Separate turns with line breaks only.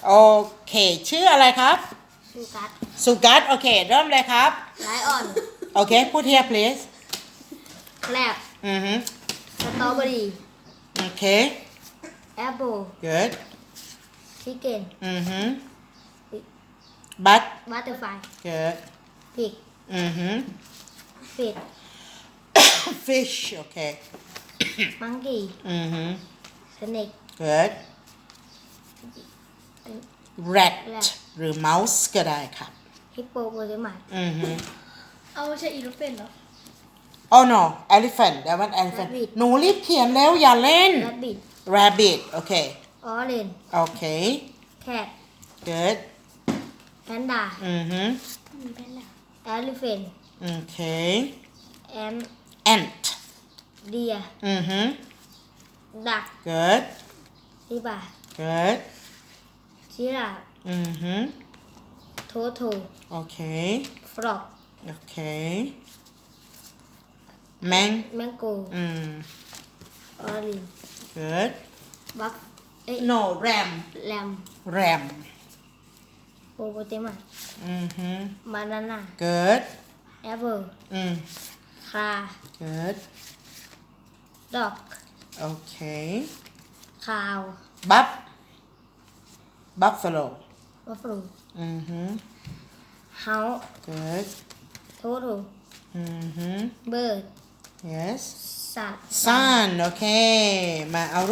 โอเคชื่ออะไรครับ
สุกัส
สุกัสโอเคเริ่มเลยครับ
ไลออน
โอเคพูด here please
แกลบสตรอเบอรี่
โอเค
แอปเปิล
good
ชิคเก้น
but
บัตเตอร์ไฟ
good
พิกฟิช
fish โอเค
มังกี้สเน็ก
good rat
rat
หรือ mouse ก็ได้ครับ
ฮิปโปโปเตมัส
เอาไม่ใช่อีลูเฟนเหรอ
oh no elephant that one elephant
rabbit
หนูรีบเขียนแล้วอย่าเล่น
แรบบิท
rabbit โอเค
ออเรน
โอเค
แคท
good
แพนด้า
มีแพนด้า
แอลิเฟน
โอเค
แอน
ant
เดียดัก
good
ลิบา
good
จิราฟโทโท
โอเค
ฟรอก
โอเคแมง
แมงโกออริน
good
บัฟ
no ram
แรม
ram
โปโปเตมัสบานาน่า
good
แอปเปิลคา
good
ดอก
โอเค
คาว
buffalo
บัฟฟาโลเฮา
good
โทโทเบิร์ด
yes
สัตว์
sun โอเคมาเอา